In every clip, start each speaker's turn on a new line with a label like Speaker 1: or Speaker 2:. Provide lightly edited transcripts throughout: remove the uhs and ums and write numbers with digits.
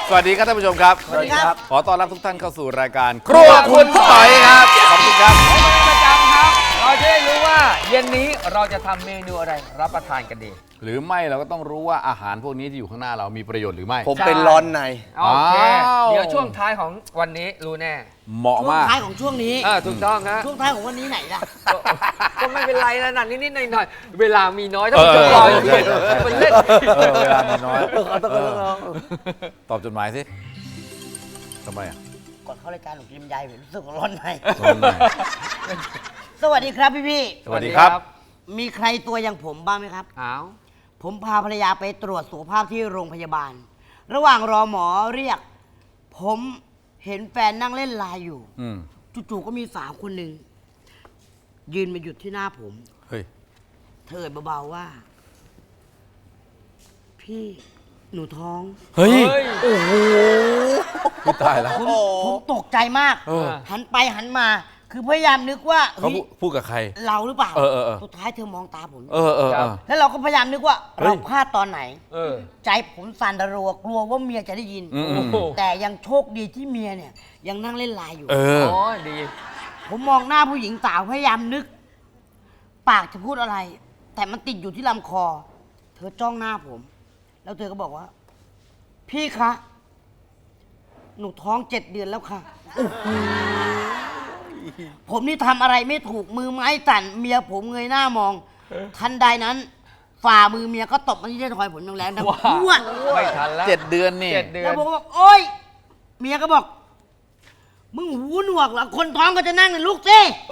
Speaker 1: สวัสดีครับท่านผู้ชมครับ
Speaker 2: สวัสดีครับ
Speaker 1: ขอต้อนรับทุกท่านเข้าสู่รายการครัวคุณต่อยครับขอบคุณครับ
Speaker 3: ประจำครับเราจะได้รู้ว่าเย็นนี้เราจะทำเมนูอะไรรับประทานกันดี
Speaker 1: หรือไม่เราก็ต้องรู้ว่าอาหารพวกนี้ที่อยู่ข้างหน้าเรามีประโยชน์หรือไม่
Speaker 2: ผมเป็นร้อนใน
Speaker 3: โอเค
Speaker 1: อ้าว
Speaker 3: เดี๋ยวช่วงท้ายของวันนี้รู้แน่
Speaker 1: เหมาะ
Speaker 4: ช่วง
Speaker 1: มาก
Speaker 4: ท้ายของช่วงนี้
Speaker 3: ถูกต้องฮะ
Speaker 4: ช่วงท้ายของวันนี้ไหนล่ะ
Speaker 3: ก็ไม่เป็นไรนะนิดๆหน่อยๆเวลามีน้อยถ้าผู้ชมรออยู่มันเล่น
Speaker 1: เวลามีน้อยตอบจดหมายสิทำไมอ่ะ
Speaker 4: ก่อนเข้ารายการหนูกินยายรู้สึกร้อนใน
Speaker 1: ร้อนใน
Speaker 4: สวัสดีครับพี่
Speaker 1: สวัสดีครับ
Speaker 4: ๆมีใครตัวอย่างผมบ้างไหมครับ
Speaker 3: อ้าว
Speaker 4: ผมพาภรรยาไปตรวจสุขภาพที่โรงพยาบาล ระหว่างรอหมอเรียก ผมเห็นแฟนนั่งเล่นไลน์อยู่
Speaker 1: อืม
Speaker 4: จู่ๆก็มีสาวคนหนึ่งยืนมาหยุดที่หน้าผม
Speaker 1: เฮ้ย
Speaker 4: เธอเบาๆว่า พี่หนูท้อง
Speaker 1: เฮ้ย
Speaker 4: โอ้โห
Speaker 1: พี่ตายแล้ว
Speaker 4: ผมตกใจมาก
Speaker 1: เออ
Speaker 4: หันไปหันมา คือพยายามนึกว่า
Speaker 1: เขา
Speaker 4: เฮ้ย
Speaker 1: พูดกับใคร
Speaker 4: เราหรือเปล่า
Speaker 1: เออ
Speaker 4: สุดท้ายเธอมองตาผม
Speaker 1: เออ
Speaker 4: แล้วเราก็พยายามนึกว่า
Speaker 1: เฮ้ย
Speaker 4: เราพลาดตอนไหน
Speaker 3: เออ
Speaker 4: ใจผมสั่นระรัวกลัวว่าเมียจะได้ยิน
Speaker 1: อืม
Speaker 4: แต่ยังโชคดีที่เมียเนี่ย ยังนั่งเล่นไลน์อยู่
Speaker 1: เออ
Speaker 3: โอ้ยดี
Speaker 4: ผมมองหน้าผู้หญิงสาวพยายามนึก ปากจะพูดอะไร แต่มันติดอยู่ที่ลำคอ เธอจ้องหน้าผม แล้วเธอก็บอกว่า พี่คะ หนูท้อง7 เดือนแล้วค่ะผมนี่ทำอะไรไม่ถูกมือไม้สั่นเมียผมเงยหน้ามอง ทันใดนั้น ฝ่ามือเมียก็ตบมาที่ท้ายทอยผมแรงๆดัง
Speaker 3: ว้า
Speaker 4: พรวด
Speaker 3: ไม่ทันแล้ว
Speaker 1: 7 เดือนนี่
Speaker 3: 7 เดือ
Speaker 4: แล้
Speaker 3: น
Speaker 4: วผมก็บอกโอ๊ย เมียก็บอก มึงหูหนวกเหรอคนท้องก็จะนั่งในลูกสิ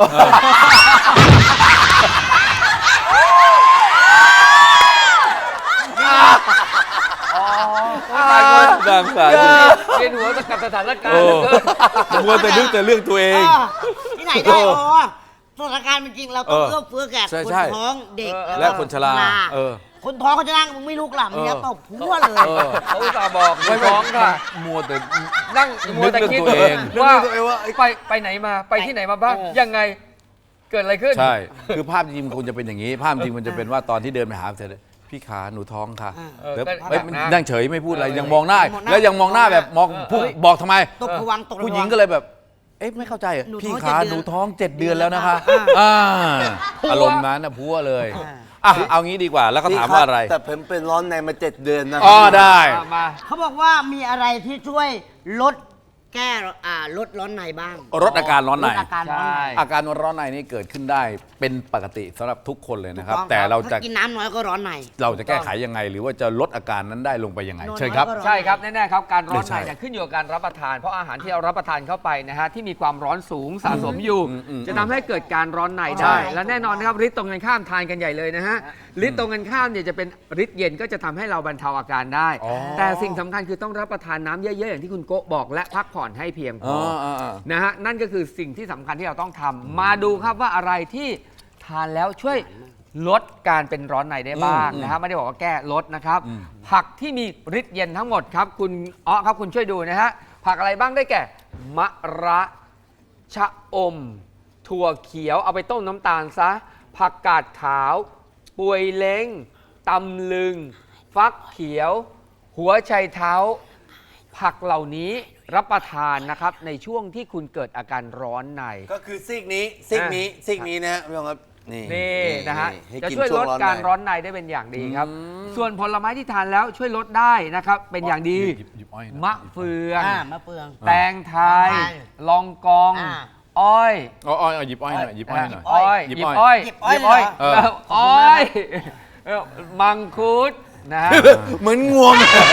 Speaker 1: ดังสาย
Speaker 3: เรียนหัวกับสถานการ
Speaker 1: โอ้
Speaker 3: ณ์เหลือเกิน
Speaker 1: มัวแต่นึกแต่เรื่องตัวเอง
Speaker 4: ที่ไหนได้อ๋อสถานการณ์เป็นจริงเราต้อง
Speaker 1: เออ
Speaker 4: เอื้อเฟื้อแก่
Speaker 1: ใช่
Speaker 4: คน
Speaker 1: ใช่
Speaker 4: ท้องเด็ก
Speaker 1: และคนชราเออ
Speaker 4: คนท้องเขาจะนั่งมึงไม่ลุกหลับเมียตบพัวเลย
Speaker 1: เออ
Speaker 3: เขาอุตส่าห์บอกไม่ท้องค่ะ
Speaker 1: มัวแต่
Speaker 3: นั่งมัวแต่คิด
Speaker 1: นึกเรื่องตัวเอง
Speaker 3: ว่า
Speaker 1: นึกเรื่องตัวเองว่า
Speaker 3: ไปไหนมาไปที่ไหนมาบ้างยังไงเกิดอะไรขึ้น
Speaker 1: ใช่ คือภาพจริงมันควรจะเป็นอย่างนี้ ภาพจริงมันจะเป็นว่าตอนที่เดินไปหาเธอเลยพี่ขาหนูท้องค่ะ
Speaker 3: เออ
Speaker 1: แล้ว
Speaker 3: ก็
Speaker 1: เอ้ย
Speaker 3: หนักนะ
Speaker 1: นั่งเฉยไม่พูดอะไร
Speaker 3: เออ
Speaker 1: ยังมองหน้า
Speaker 4: มองหน้า
Speaker 1: แล้วยังมองหน้าแบบมองพูด
Speaker 3: เฮ้ย
Speaker 1: บอกทำไม
Speaker 4: ตบผวังตก
Speaker 1: ผู้หญิงก็เลยแบบ เอ๊ะไม่เข้าใจเหรอ
Speaker 4: หนูท้อง
Speaker 1: พี่ขา
Speaker 4: 7 เดือน
Speaker 1: หนูท้อง 7 เดือนแล้วนะคะ
Speaker 4: อ่า
Speaker 1: อารมณ์นั้นนะพัวเลยอ่ะเอางี้ดีกว่าแล้วก็ถามว่าอะไร
Speaker 2: แต่ผมเป็นร้อนในมา7 เดือนนะ
Speaker 1: อ๋อได้
Speaker 3: มา
Speaker 4: เขาบอกว่ามีอะไรที่ช่วยลดแก้ลดร้อนในบ้าง
Speaker 1: ลดอาการร้อนใน
Speaker 4: ลดอาการร้อน
Speaker 3: ใช่
Speaker 4: ใน
Speaker 1: อาการร้อนในนี่เกิดขึ้นได้เป็นปกติสำหรับทุกคนเลยนะครับ
Speaker 4: ถูกอง
Speaker 1: แต่เราจะ
Speaker 4: ถ้กินน้ำน้อยก็ร้อนใน
Speaker 1: เราจะแก้ไขยังไง หรือว่าจะลดอาการนั้นได้ลงไปยังไง
Speaker 4: นอนน้อย
Speaker 1: เชิญครับ
Speaker 4: ก็ร้อน
Speaker 3: ใช่ครับแน่ๆครับการร้อน
Speaker 1: ใช่
Speaker 3: ในเนี่ยขึ้นอยู่กับการรับประทาน เพราะอาหารที่เรารับประทานเข้าไปนะฮะที่มีความร้อนสูงสะสมอยู่ จะทำให้เกิดการร้อนใน
Speaker 4: ใช่
Speaker 3: ได้ และแน่นอนนะครับฤทธิ์ตรงกันข้ามทานกันใหญ่เลยนะฮะฤทธิ์ตรงกันข้ามเนี่ยจะเป็นฤทธิ์เย็นก็จะทำให้เราบรรเทาอาการได้
Speaker 1: อ๋อ
Speaker 3: แต่สิ่งสำคัญคือต้องรับประทานน้ำเยอะๆอย่างที่คุณโกะบอกและพักผ่อนให้เพียงพ
Speaker 1: อ๋
Speaker 3: อ
Speaker 1: อ
Speaker 3: นะฮะนั่นก็คือสิ่งที่สำคัญที่เราต้องทำมาดูครับว่าอะไรที่ทานแล้วช่วยลดการเป็นร้อนในได้บ้างนะฮะไม่ได้บอกว่าแก้ลดนะครับ ผักที่มีฤทธิ์เย็นทั้งหมดครับคุณอ้อครับคุณช่วยดูนะฮะผักอะไรบ้างได้แก่มะระชะอม ถั่วเขียวเอาไปต้มน้ำตาลซะผักกาดขาวป่วยเล้งตำลึง ฟักเขียว หัวไชเท้า ผักเหล่านี้รับประทานนะครับในช่วงที่คุณเกิดอาการร้อนใน
Speaker 2: ก็คือซีกนี้นะฮะพี่น้องครับนี่
Speaker 3: นี่นะฮะ
Speaker 2: ให้
Speaker 3: จะ
Speaker 2: กิน
Speaker 3: ช่วยลดการร้
Speaker 2: ว
Speaker 3: อนในได้เป็นอย่างดีครับ ส่วนผลไม้ที่ทานแล้วช่วยลดได้นะครับเป็นอย่างดี
Speaker 1: หยิบอ้อยหน่อย
Speaker 3: มะเฟือง
Speaker 4: มะเฟือง
Speaker 3: แตงไทย
Speaker 4: แตงไทย
Speaker 3: ลองกอง
Speaker 4: อ่า
Speaker 3: อ้อย
Speaker 1: อ้อยหยิบอ้อยหน่อยหยิบอ้อยหน่อย
Speaker 3: อ้อย
Speaker 1: หยิบ
Speaker 3: หยิบ
Speaker 1: อ้
Speaker 3: อ้
Speaker 1: อ
Speaker 3: อย ย
Speaker 4: หยิบอ้อยเลยเหรอ
Speaker 1: เออ
Speaker 3: อ้อยมังคุดนะฮะ
Speaker 1: เหมือนงวง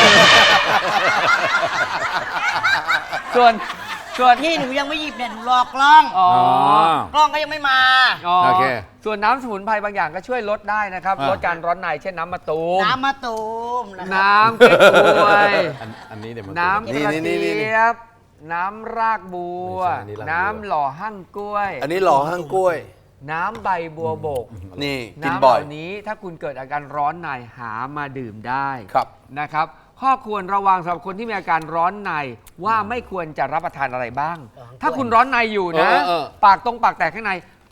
Speaker 3: ส่วน
Speaker 4: ที่หนูยังไม่หยิบเนี่ยหนูรอกล้อง
Speaker 3: อ๋อ
Speaker 4: กล้องก็ยังไม่มา
Speaker 3: อ๋อ
Speaker 1: โอเค
Speaker 3: ส่วนน้ำสมุนไพรบางอย่างก็ช่วยลดได้นะครับ
Speaker 1: อ่า
Speaker 3: ลดการร้อนในเช่นน้ำมะตูม
Speaker 4: น้ำมะตูมนะครับ
Speaker 3: น้ำเก๊กฮวย
Speaker 1: อันนี้เดี๋ยวมัน
Speaker 3: น้ำกระ
Speaker 2: นี่
Speaker 3: เจี๊ยบ น้ำรากบัว
Speaker 1: ไม่ใช่อันนี้รากบัว
Speaker 3: น้ำหล่อหั่งกล้วย
Speaker 2: อันนี้หล่อห้างกล้วย
Speaker 3: น้ำใบบัวบก
Speaker 2: นี่กิน
Speaker 3: น้ำเห
Speaker 2: บ่อย
Speaker 3: ล่านี้ถ้าคุณเกิดอาการร้อนในหามาดื่มได้
Speaker 2: ครับ
Speaker 3: นะครับ ข้อควรระวังสำหรับคนที่มีอาการร้อนในว่าไม่ควรจะรับประทานอะไรบ้าง ถ้าคุณร้อนในอยู่นะ
Speaker 1: เออ
Speaker 3: ปากแตกข้างใน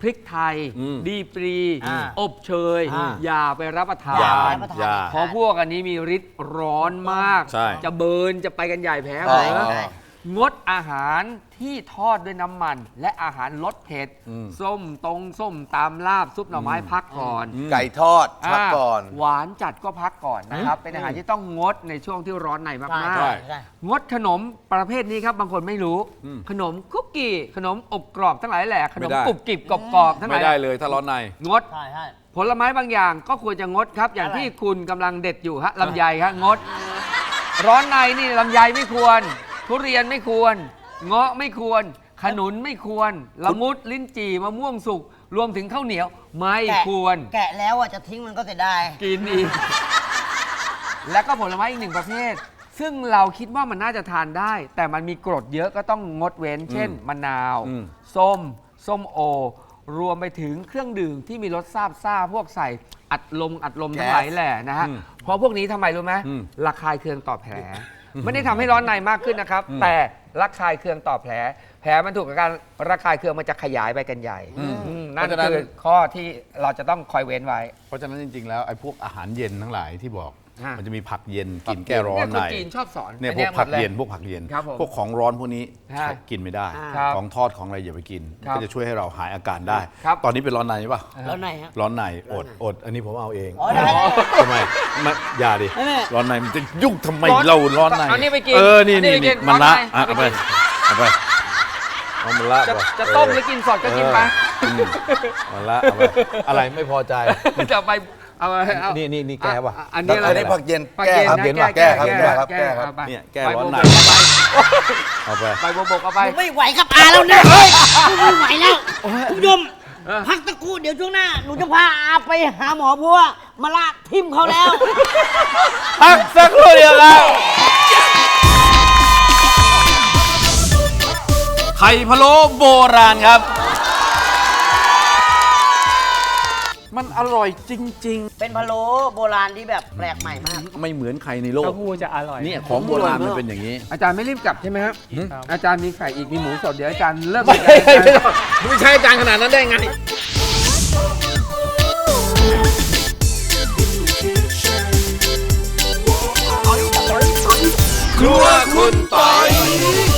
Speaker 3: พริกไทย ดีปรี อบเชย อย่าไปรับประทา
Speaker 1: อย่า
Speaker 3: น
Speaker 1: อย่า
Speaker 3: เพราะพวกอันนี้มีฤทธิ์ร้อนมาก
Speaker 1: ใช่
Speaker 3: จะเบิร์นจะไปกันใหญ่แพ้
Speaker 2: ใช่
Speaker 3: เหรอ
Speaker 2: ใช่
Speaker 3: งดอาหารที่ทอดด้วยน้ำมัน และอาหารรสเผ็ด ส้มตำลาบซุปหน่อไม้พักก่อน
Speaker 2: ไก่ทอดพักก่อน
Speaker 3: หวานจัดก็พักก่อนนะครับ เป็นอาหารที่ต้องงดในช่วงที่ร้อนในมาก
Speaker 4: ใช่
Speaker 3: ๆ
Speaker 4: ใช่
Speaker 3: งดขนมประเภทนี้ครับบางคนไม่รู้ ขนมคุกกี้ขนมอบกรอบทั้งหลายแหละขนม
Speaker 1: ไม่ได้
Speaker 3: กรุบกริบกรอบๆทั้งห
Speaker 1: ไม่
Speaker 3: ลาย
Speaker 1: ได้เลยถ้าร้อนใน
Speaker 3: งด
Speaker 4: ใช่ใช่
Speaker 3: ผลไม้บางอย่างก็ควรจะงดครับ อย่าง
Speaker 4: อะไร
Speaker 3: ที่คุณกำลังเด็ดอยู่ฮะลำไยฮะงด ร้อนในนี่ลำไยไม่ควร ทุเรียนไม่ควร เงาะไม่ควร ขนุนไม่ควรละมุดลิ้นจี่มะม่วงสุกรวมถึงข้าวเหนียวไม่
Speaker 4: แกะ
Speaker 3: ควร
Speaker 4: แกะแล้วอ่ะจะทิ้งมันก็เสียดาย
Speaker 3: กินอีก แล้วก็ผลไม้อีกหนึ่งประเภท ซึ่งเราคิดว่ามันน่าจะทานได้ แต่มันมีกรดเยอะก็ต้องงดเว้น เช่น มะนาว ส้มโอ รวมไปถึงเครื่องดื่มที่มีรสซ่าพวกใส่อัดลมทั้งหลายแหละนะฮะ เพราะพวกนี้ทำไมรู้ไหมระคายเคืองต่อแผล ไม่ได้ทำให้ร้อนในมากขึ้นนะครับ แต่ระคายเคืองต่อแผล แผลมันถูกกับการระคายเคืองมันจะขยายไปกันใหญ่นั่น
Speaker 1: เพราะฉะนั้น
Speaker 3: คือข้อที่เราจะต้องคอยเว้นไว้
Speaker 1: เพราะฉะนั้นจริงๆแล้วไอ้พวกอาหารเย็นทั้งหลายที่บอก
Speaker 3: ฮะ
Speaker 1: มันจะมีผักเย็นกินแก้ร้อน
Speaker 3: เนี่ย
Speaker 1: ใน
Speaker 3: คนจีนชอบสอน
Speaker 1: เนี่ย
Speaker 3: อั
Speaker 1: พวก
Speaker 3: หม
Speaker 1: ผั
Speaker 3: ด
Speaker 1: ก
Speaker 3: ล
Speaker 1: เย็นพวกผักเย็น
Speaker 3: ครับผม
Speaker 1: พวกของร้อนพวกนี้
Speaker 3: ฮะ
Speaker 1: กินไม่ได้
Speaker 3: ครับ
Speaker 1: ของทอดของอะไรอย่าไปกิน
Speaker 3: ครับ
Speaker 1: ก็จะช่วยให้เราหายอาการได้
Speaker 3: ครับ
Speaker 1: ตอนนี้เป็นร้อนในป่ะ
Speaker 4: แล้วไหนฮะ
Speaker 1: ร้อนในอดอันนี้ผมเอาเอง
Speaker 4: อ๋อได้
Speaker 1: ทำไมไม่อย่าดิ
Speaker 4: ไม่ไม่
Speaker 1: ร้อนในมันจะยุ่งทำไมเราร้อนใน
Speaker 3: เอานี่ไปกิน
Speaker 1: นี่
Speaker 3: เอานี่ไปกิน
Speaker 1: มันละ
Speaker 3: ร้อนใน
Speaker 1: อ่ะเอาไปเอาไปเอามันละ
Speaker 3: จะ
Speaker 1: ก่อน
Speaker 3: จะต้มหรือกินสดก็กินไป
Speaker 1: มันละเอาไปอะไรไม่พอใจ
Speaker 3: จะไปเอาเอา
Speaker 1: นี่แก้ป่ะ
Speaker 3: อันนี้อะไร
Speaker 2: อันนี้ผักเย็น
Speaker 3: ผักเย็น
Speaker 2: แก้ครับ
Speaker 3: นะ
Speaker 1: เย็นป่ะ
Speaker 2: แก้ครับแก้ครับ
Speaker 3: เอาไป
Speaker 1: เนี่ยแก้ร้อนใน เอาไป
Speaker 3: ใบบัวบกเอาไป
Speaker 4: ไม่ไหวกับอาแล้วนะไม่ไหวแล้วคุณผู้ชมพักตะกครู่เดี๋ยวช่วงหน้าหนูจะพาอาไปหาหมอเพราะว่ามาละทิมเขาแล้ว
Speaker 1: พักสักครู่เดียวครับไข่พะโล้โบราณครับ มันอร่อยจริง
Speaker 4: เป็นพะโล้โบราณที่แบบแปลกใหม่มาก
Speaker 1: ๆ ไม่เหมือนใครในโลก
Speaker 5: เต้าหู้จะอร่อย
Speaker 1: เนี่ยของโบราณมันเป็นอย่างนี้
Speaker 3: อาจารย์ไม่รีบกลับใช่ไหมครับ
Speaker 5: ครับ
Speaker 3: อาจารย์มีไข่อีกมีหมูสดเดี๋ยวอาจารย์เลิก
Speaker 1: ไม่ใช่อาจารย์ขนาดนั้นได้ไง ครัวคุณต่อย